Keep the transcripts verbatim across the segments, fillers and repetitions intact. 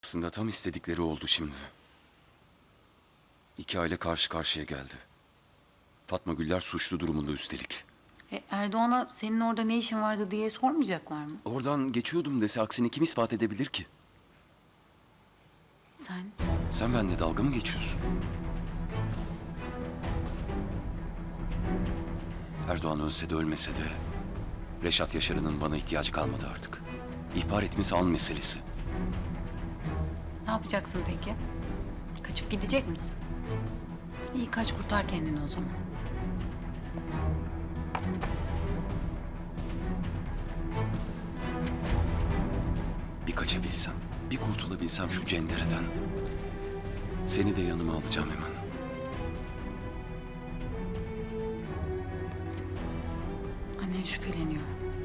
Aslında tam istedikleri oldu şimdi. İki aile karşı karşıya geldi. Fatma Güller suçlu durumunda üstelik. E, Erdoğan'a senin orada ne işin vardı diye sormayacaklar mı? Oradan geçiyordum dese aksini kim ispat edebilir ki? Sen? Sen benimle dalga mı geçiyorsun? Erdoğan ölse de ölmese de Reşat Yaşar'ın bana ihtiyacı kalmadı artık. İhbar etmesi an meselesi. Ne yapacaksın peki? Kaçıp gidecek misin? İyi, kaç, kurtar kendini o zaman. Bir kaçabilsem, bir kurtulabilsem şu cendereden. Seni de yanıma alacağım hemen. Annen şüpheleniyor.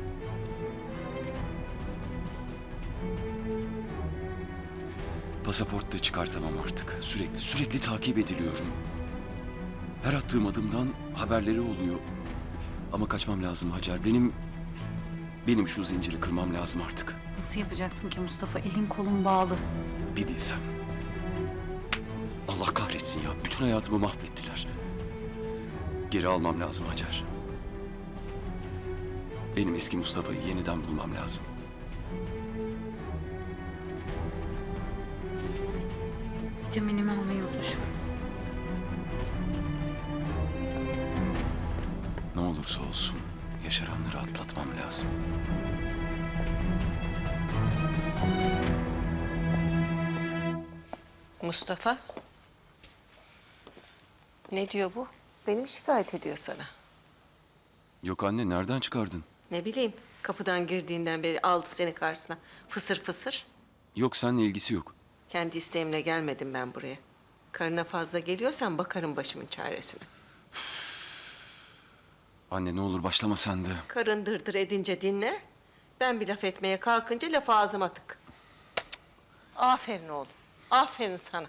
Pasaport da çıkartamam artık. Sürekli, sürekli takip ediliyorum. Her attığım adımdan haberleri oluyor. Ama kaçmam lazım Hacer. Benim, benim şu zinciri kırmam lazım artık. Nasıl yapacaksın ki Mustafa? Elin kolun bağlı. Bir bilsem. Allah kahretsin ya. Bütün hayatımı mahvettiler. Geri almam lazım Hacer. Benim eski Mustafa'yı yeniden bulmam lazım. Vitaminimi almayı unutmuşum. Ne olursa olsun yaşaranları atlatmam lazım. Mustafa. Ne diyor bu? Beni mi şikayet ediyor sana? Yok anne, nereden çıkardın? Ne bileyim, kapıdan girdiğinden beri aldı seni karşısına. Fısır fısır. Yok, seninle ilgisi yok. Kendi isteğimle gelmedim ben buraya. Karına fazla geliyorsan bakarım başımın çaresine. Anne ne olur başlama sen de. Karın dırdır edince dinle. Ben bir laf etmeye kalkınca lafı ağzıma tık. Aferin oğlum. Aferin sana.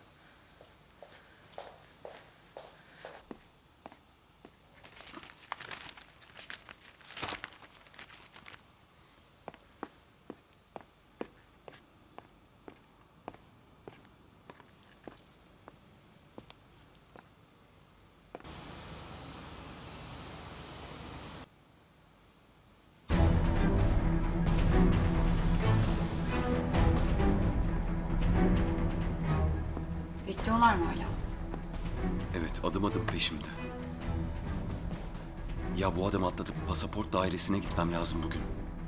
Bekliyorlar mı hala? Evet, adım adım peşimde. Ya bu adamı atlatıp pasaport dairesine gitmem lazım bugün.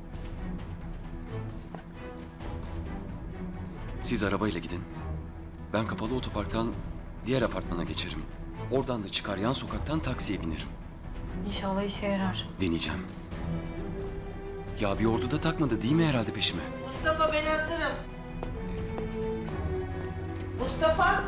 Siz arabayla gidin. Ben kapalı otoparktan diğer apartmana geçerim. Oradan da çıkar yan sokaktan taksiye binerim. İnşallah işe yarar. Deneyeceğim. Ya bir ordu da takmadı değil mi herhalde peşime? Mustafa, ben hazırım. Mustafa.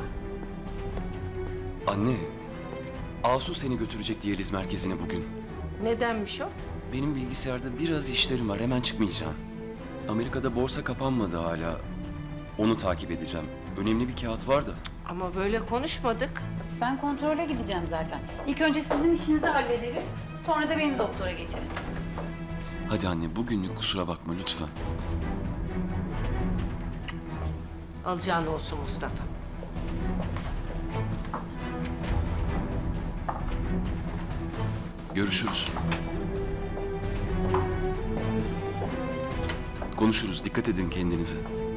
Anne, Asu seni götürecek diyaliz merkezine bugün. Nedenmiş o? Benim bilgisayarda biraz işlerim var, hemen çıkmayacağım. Amerika'da borsa kapanmadı hala. Onu takip edeceğim. Önemli bir kağıt var da. Ama böyle konuşmadık. Ben kontrole gideceğim zaten. İlk önce sizin işinizi hallederiz. Sonra da benim doktora geçeriz. Hadi anne, bugünlük kusura bakma lütfen. Alacağın olsun Mustafa. Görüşürüz. Konuşuruz. Dikkat edin kendinize.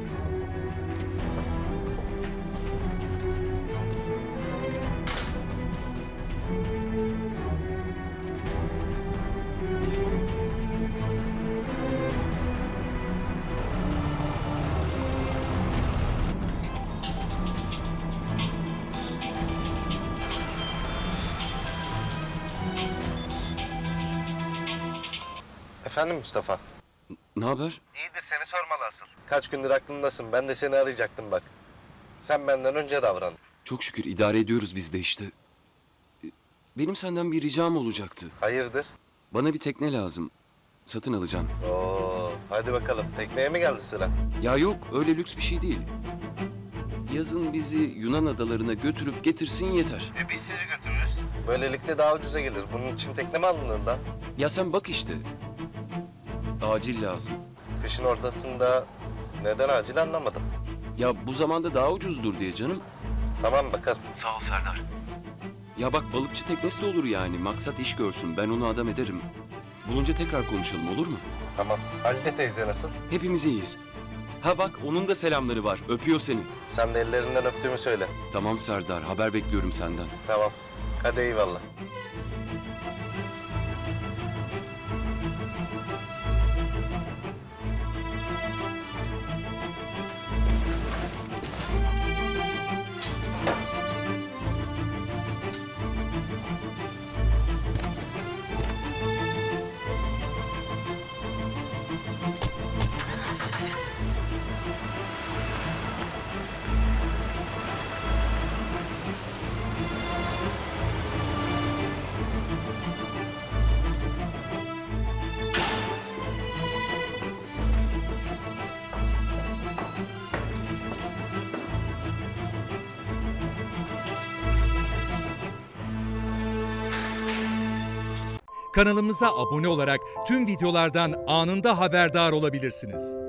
Efendim Mustafa? Ne haber? İyidir, seni sormalı asıl. Kaç gündür aklımdasın, ben de seni arayacaktım bak. Sen benden önce davran. Çok şükür idare ediyoruz biz de işte. Benim senden bir ricam olacaktı. Hayırdır? Bana bir tekne lazım. Satın alacağım. Oo, hadi bakalım, tekneye mi geldi sıra? Ya yok, öyle lüks bir şey değil. Yazın bizi Yunan adalarına götürüp getirsin yeter. E biz sizi götürürüz. Böylelikle daha ucuza gelir. Bunun için tekne mi alınır lan? Ya sen bak işte. Acil lazım. Kışın ortasında neden acil anlamadım. Ya bu zamanda daha ucuzdur diye canım. Tamam bakarım. Sağ ol Serdar. Ya bak balıkçı teknesi de olur yani. Maksat iş görsün. Ben onu adam ederim. Bulunca tekrar konuşalım olur mu? Tamam. Halide teyze nasıl? Hepimiz iyiyiz. Ha bak onun da selamları var. Öpüyor seni. Sen de ellerinden öptüğümü söyle. Tamam Serdar. Haber bekliyorum senden. Tamam. Hadi eyvallah. Kanalımıza abone olarak tüm videolardan anında haberdar olabilirsiniz.